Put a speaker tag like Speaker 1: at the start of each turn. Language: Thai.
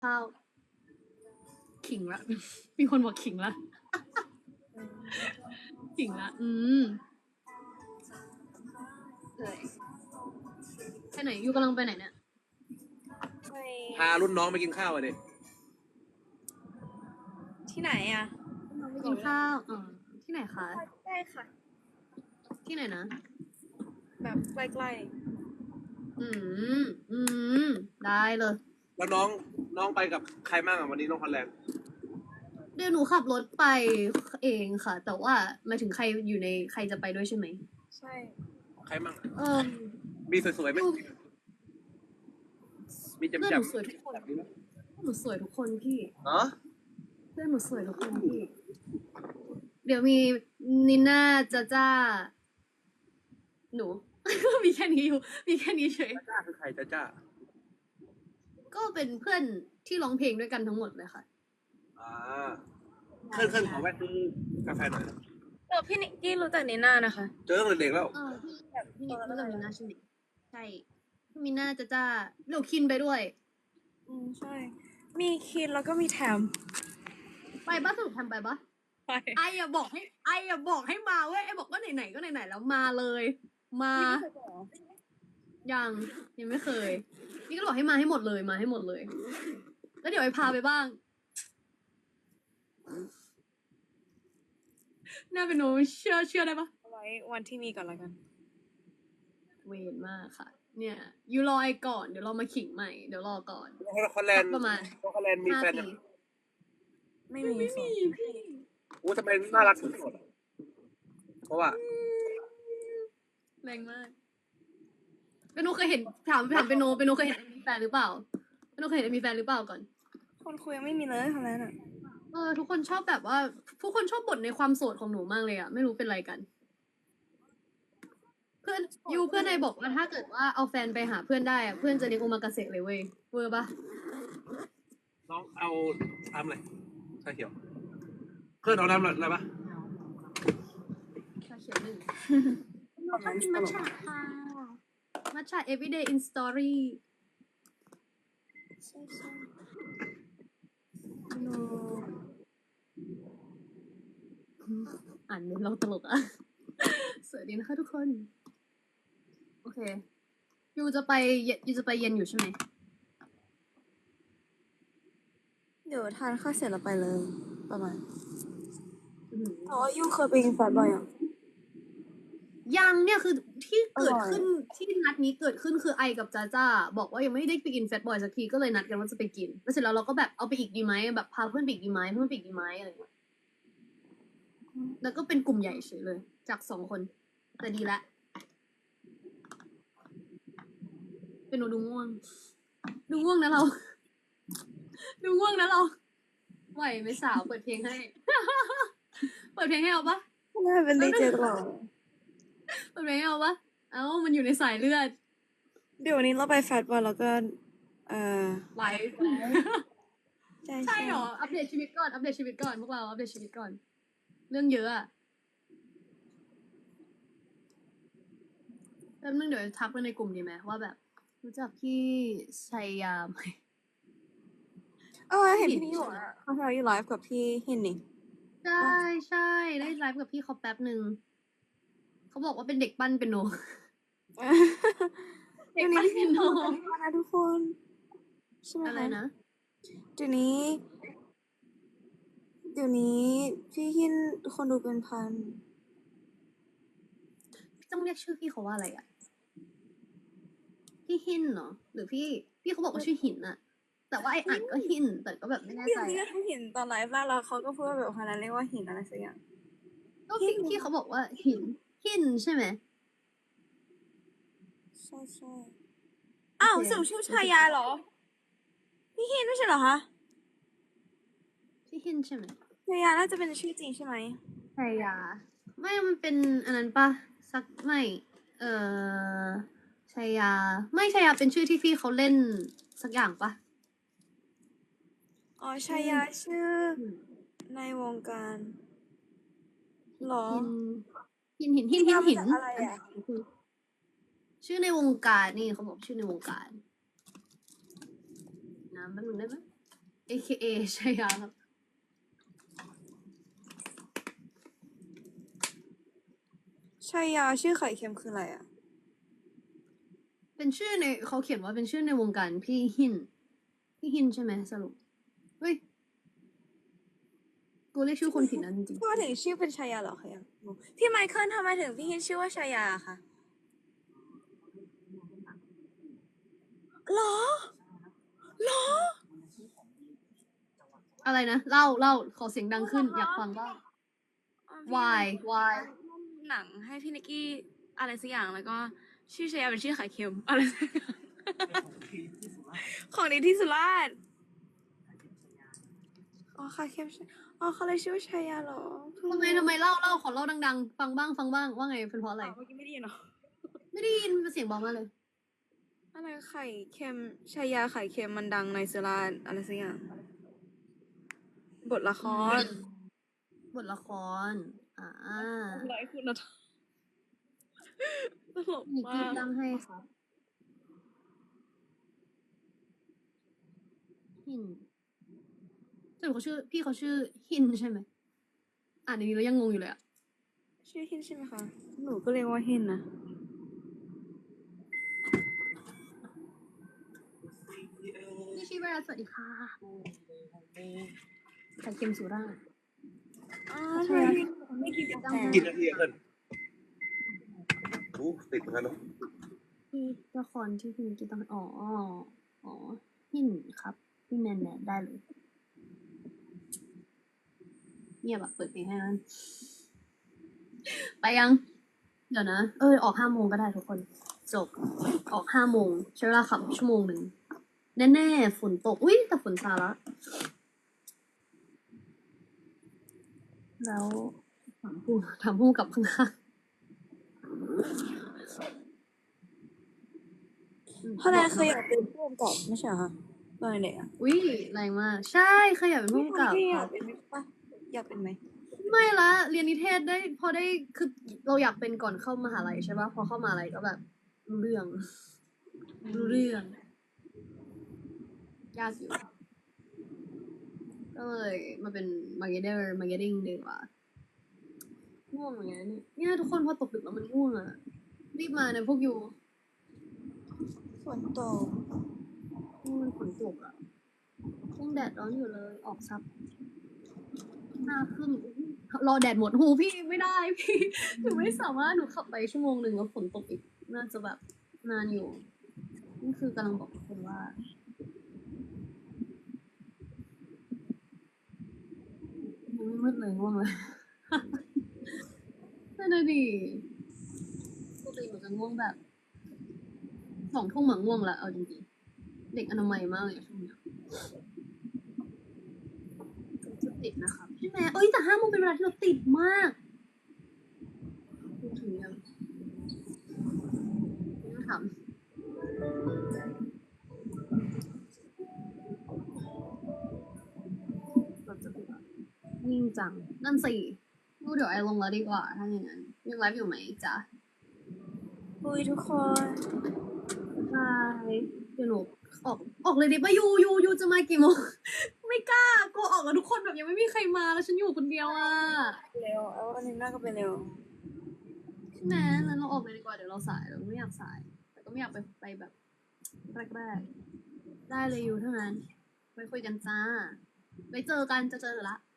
Speaker 1: ข้าวขิงละ มีคนบอกขิงละขิงละเลยไปไหนยูกำลังไปไหนเนี่ย
Speaker 2: พารุ่นน้องไปกินข้าวอ่ะดิ
Speaker 3: ที่ไหนอ่ะ
Speaker 1: ไปกินข้าวที่ไหนคะ
Speaker 3: ได้ค่ะ
Speaker 1: ที่ไหนนะ
Speaker 3: แบบใกล้
Speaker 1: ได้เลย
Speaker 2: แล้วน้องไปกับใครบ้างอ่ะวันนี้น้องคอนแลนด์
Speaker 1: เดี๋ยวหนูขับรถไปเองค่ะ แต่ว่าหมายถึงใครอยู่ในใครจะไปด้วยใช่ไหม
Speaker 3: ๆ ใช่
Speaker 2: ใครบ้าง
Speaker 1: มี
Speaker 2: มีสวยๆไหมมีจำ
Speaker 1: เพื่อน
Speaker 2: จ
Speaker 1: หนูสวยทุกคนหนูสวยทุกคนพี่
Speaker 2: เนาะ
Speaker 1: เพื่อนหนูสวยทุกคนพี่ เดี๋ยวมีนิน่าจ้าหนู มีแค่นี้อยู่ มีแค่นี้เฉย
Speaker 2: จ้าคือใครจ้า
Speaker 1: ก็เป็นเพื่อนที่ร้องเพลงด้วยกันทั้งหมดเลยค่ะ
Speaker 2: เคลื่อนขอแวะซื้อกาแฟหน่อย
Speaker 3: พี่นิกกี้รู้จักนีน่านะคะ
Speaker 2: เจอตั้งแต่เด็กแล้ว
Speaker 1: พี่แบบพี่นิกรู้จักมิน่าใช่ไหมใช่พี่มิน่าจ้าเดี๋ยวคินไปด้วย
Speaker 3: ใช่ มีคินแล้วก็มีแถม
Speaker 1: ไปบ้าสรุปทำไปปะ
Speaker 3: ไป
Speaker 1: ไออย่าบอกให้มาเว้ยไอบอกว่าไหนๆก็ไหนๆแล้วมาเลย มายังไม่เคยนี่ก็บอกให้มาให้หมดเลยมาให้หมดเลย แล้วเดี๋ยวไอพาไปบ้างน่าเป็นหนูเชื่อได้ปะ
Speaker 3: เอาไว้วันที่มีก่อนละกัน
Speaker 1: เวนมากค่ะ เนี่ยยูรอไอก่อนเดี๋ยวเรามาขิงใหม่เดี๋ยวรอก่อน
Speaker 2: คอนแลนด์
Speaker 1: ประมาณ
Speaker 2: คอนแลนด์มี
Speaker 1: 5
Speaker 2: แฟน
Speaker 1: ปี
Speaker 3: ไม่มี
Speaker 1: พี่
Speaker 2: โอ้ทำไมน่ารักสุดๆเพราะว่า
Speaker 1: แรงมากเปนโนเคยเห็นถามเปนโนเคยเห็นมีแฟนหรือเปล่าเปนโนเคยเห็นมีแฟนหรือเปล่าก่อน
Speaker 3: คนคุยยังไม่มีเลยคนนั้นอ่ะ
Speaker 1: ทุกคนชอบแบบว่าทุกคนชอบบ่นในความโสดของหนูมากเลยอะไม่รู้เป็นไรกัน เพื่อนนายบอกว่าถ้าเกิดว่าเอาแฟนไปหาเพื่อนได้อะเพื่อนจะเลี้ยงโอมากาเสะเลยเว้ยเวอร์ปะ
Speaker 2: น้องเอาทำอะไรชาเขียวเคลื่อนเอาน้ำอะไรปะ
Speaker 1: ชาเขียวหนึ่งชอบกินมัทฉะค่ะมัทฉะ everyday in story
Speaker 3: ใช่ใช่
Speaker 1: โนอ่านเมนเราตลกอะ สวัสดีนะคะทุกคน โอเคยูจะไปเย็นอยู่ใช่ไหม
Speaker 3: เดี๋ยวทานข้าวเสร็จแล้วไปเลย ประมาณ
Speaker 1: อื้อหือ
Speaker 3: อ๋อยูเคยไปกินแฟนบ่อยอ่ะ
Speaker 1: ยังเนี่ยคือที่เกิด
Speaker 3: อร่อย
Speaker 1: ขึ้นที่นัดนี้เกิดขึ้นคือไอกับจ้าบอกว่ายังไม่ได้ไปกินแฟตบอยสักทีก็เลยนัดกันว่าจะไปกินแล้วเสร็จแล้วเราก็แบบเอาไปอีกดีไหมแบบพาเพื่อนไปอีกดีไหมเพื่อนไปอีกดีไหมอะไรอย่างเงี้ยแล้วก็เป็นกลุ่มใหญ่เฉยเลย จาก2 คนแต่ดีละเป็นหนูดูง่วงนะเรา ดูง่วงนะเราไหวไหมสาวเปิดเพลงให้ เปิดเพลงให้เอาปะ
Speaker 3: น่าเป็นดีเจตลอด
Speaker 1: เปิดเพลงให้เอาปะมันอยู่ในสายเลือด
Speaker 3: เดี๋ยววันนี้เราไปแฟตบอลแล้วก็
Speaker 1: ไลฟ์
Speaker 3: ใช่
Speaker 1: ใช่เหรอ อัปเดตชีวิตก่อนพวกเราอัปเดตชีวิตก่อน เรื่องเยอะอะแป๊บนึงเดี๋ยวทักไปในกลุ่มดีไหมว่าแบบ รู้จักพี่ชัยยาไหม
Speaker 3: เห็นพี่นี่อยู่อ่ะเขาทำอยู่ไลฟ์กับพี่หินนี่
Speaker 1: ใช่ได้ไลฟ์กับพี่เขาแป๊บหนึ่งเขาบอกว่าเป็นเด็กปั้นเป็นโน เด็กปั้นเป็นโน
Speaker 3: นะทุกคนใช่ไหม
Speaker 1: อะไรนะ
Speaker 3: เดี๋ยวนี้พี่หินคนดูเป็นพัน
Speaker 1: ต้องเรียกชื่อพี่เขาว่าอะไรอะพี่หินเหรอหรือพี่เขาบอกว่าชื่อหินอะแต่ว่าไออ่านก็หินแต่ก็แบบไม่แน่
Speaker 3: พี่
Speaker 1: ใจ
Speaker 3: เรีย
Speaker 1: อะ
Speaker 3: กหินตอนไลฟ์แล้วเขาก็พูดว่าแบบคนนั้นเรียกว่าหินอะไรสักอย่าง
Speaker 1: ก็พี่เขาบอกว่าหินใช่ไหม
Speaker 3: ใช่อ้าว
Speaker 1: โอเค
Speaker 3: สรุปชื่อชายาเหรอ พี่หินไม่ใช่เหรอคะ
Speaker 1: ชื่อหินใช่ไหม
Speaker 3: ชายาน่าจะเป็นชื่อจริงใช่ไหม
Speaker 1: ชัยยาไม่มันเป็นอันนั้นปะสักไม่ชัยยาไม่ชัยยาเป็นชื่อที่พี่เขาเล่นสักอย่างปะ
Speaker 3: อ๋อชายาชื่อในวงการเหรอ
Speaker 1: หิน
Speaker 3: มาจากอะไรอะ
Speaker 1: ชื่อในวงการนี่เขาบอกชื่อในวงการน้ำแป๊บนึงได้ไหม AKA ชายาครับ
Speaker 3: ชายาชื่อไข่เค็มคืออะไรอ่ะ
Speaker 1: เป็นชื่อในเขาเขียนว่าเป็นชื่อในวงการพี่หิน พี่หินใช่ไหมสรุป เฮ้ย กูเรียกชื่อคนผิดนะจริง
Speaker 3: ทำไมถึงชื่อเป็นชายาเหรอคะยังงงพี่ไมเคิลทำไมถึงพี่ฮินชื่อว่าชายาคะหรอหรอ
Speaker 1: ๆอะไรนะ เล่า ขอเสียงดังขึ้น อยากฟังบ้าง why
Speaker 3: หนังให้พี่นิกกี้อะไรสักอย่างแล้วก็ชื่อชายาเป็นชื่อไข่เค็มอะไรสักอย่างของดีที่สุราษฎร์อ๋อไข่เค็มอ๋อเขาเลยชื่อว่าชายาเหรอ
Speaker 1: ทำไมเล่า ขอเล่าดังๆ ฟังบ้าง ว่าไง เป็นเพราะอะไร
Speaker 3: เมื่อกี้ไม่ได้ยินเหรอ
Speaker 1: ไม่ได้ยินเสียงเบามากเลย
Speaker 3: อะไรไข่เค็มชายาไข่เค็มมันดังในสุราษฎร์อะไรสักอย่างบทละคร
Speaker 1: บทละคร
Speaker 3: ไลฟ์คุณธรรมตลก
Speaker 1: นิก
Speaker 3: มา
Speaker 1: กี้
Speaker 3: ก
Speaker 1: ตั้งให้ครับหินสรุปพี่เขาชื่อหินใช่ไหมอ่านอย่างนี้แล้วยังงงอยู่เลยอะ
Speaker 3: ชื่อฮินใช่ไหมคะ หนูก็เรียกว่าฮินนะ
Speaker 1: นี่ชีวราสวัสดีค่ะไข่เค็มสุราษฎร์
Speaker 3: อ๋อทำไมไม่กินกาแฟ
Speaker 2: กินนาทีอะเพื่อนติดเหมือนกันเนาะ
Speaker 1: ที่ละครที่พี่นิกกี้ตั้งอ๋อหินครับพี่แมนได้เลยเงียบแบบเปิดเพลงให้มันไปยัง เดี๋ยวนะ ออก5 โมงก็ได้ทุกคน จบ ออก5 โมงใช้เวลาขับชั่วโมงหนึ่ง แน่ๆ ฝนตก อุ๊ย แต่ฝนซาละ แล้วถามผู้กับข้าง
Speaker 3: เพราะนายเคยอยากเป็นผู้กำกับไม่ใช่เหรอคะตอนเด็กอ่ะ
Speaker 1: ๆอุ๊ยแรงมาก ใช่เคยอยากเป็นผู้กำกับ
Speaker 3: พี่อ
Speaker 1: ค
Speaker 3: ยา
Speaker 1: รั
Speaker 3: ก
Speaker 1: บ
Speaker 3: เป็นไหมปะอยากเป็นไหม
Speaker 1: ไม่ละ เรียนนิเทศได้พอได้คือเราอยากเป็นก่อนเข้ามหาลัยใช่ปะพอเข้ามหาลัยก็แบบรู้เรื่อง ยากอยู่ ก็เลยมาเป็นมาร์เก็ตติ้งดีกว่าง่วงเหมือนกันเนี่ยทุกคนพอตกดึกแล้วมันง่วงอ่ะ รีบมานะพวกอยู่
Speaker 3: ฝนตก
Speaker 1: มันฝนตกอ่ะยังแดดร้อนอยู่เลย ออกซับ5 ครึ่งรอแดดหมดหูพี่ไม่ได้พี่ หนูไม่สามารถหนูขับไปชั่วโมงหนึ่งแล้วฝนตกอีก น่าจะแบบนานอยู่ นี่คือกำลังบอกทุกคนว่า ยังไม่มืดเลยง่วงเลย นั่นน่ะดิปกติหนูจะง่วงแบบ2 ทุ่มหมาง่วงละเอาจริงๆ เด็กอนามัยมากเลยช่วงเนี้ยจะติดนะครับใช่ไหมแต่5 โมงเป็นเวลาที่เราติดมากพูดถึงยังต้องถามเราจะติดอะยิ่งจัง นั่นสิดูเดี๋ยวไอลงแล้วดีกว่า ถ้าอย่างนั้นยังไลฟ์อยู่ไหมจ๊ะ
Speaker 3: คุยทุกคน
Speaker 1: ใช่เดี๋ยวหนูออกเลยดิป่ะยูจะมากี่โมง ไม่กล้ากลัวออกแล้วทุกคนแบบยังไม่มีใครมาแล้วฉันอยู่คนเดียวอ่ะ
Speaker 3: เร็วเอาอันนี้น่าก็ไปเร็ว
Speaker 1: ใช่ไหมแล้วเราออกเลยดีกว่าเดี๋ยวเราสายเราไม่อยากสาย แต่ก็ไม่อยากไปแบบแรกๆได้เลยยูเท่านั้นไว้คุยกันจ้าไว้เจอกันจะเจอละ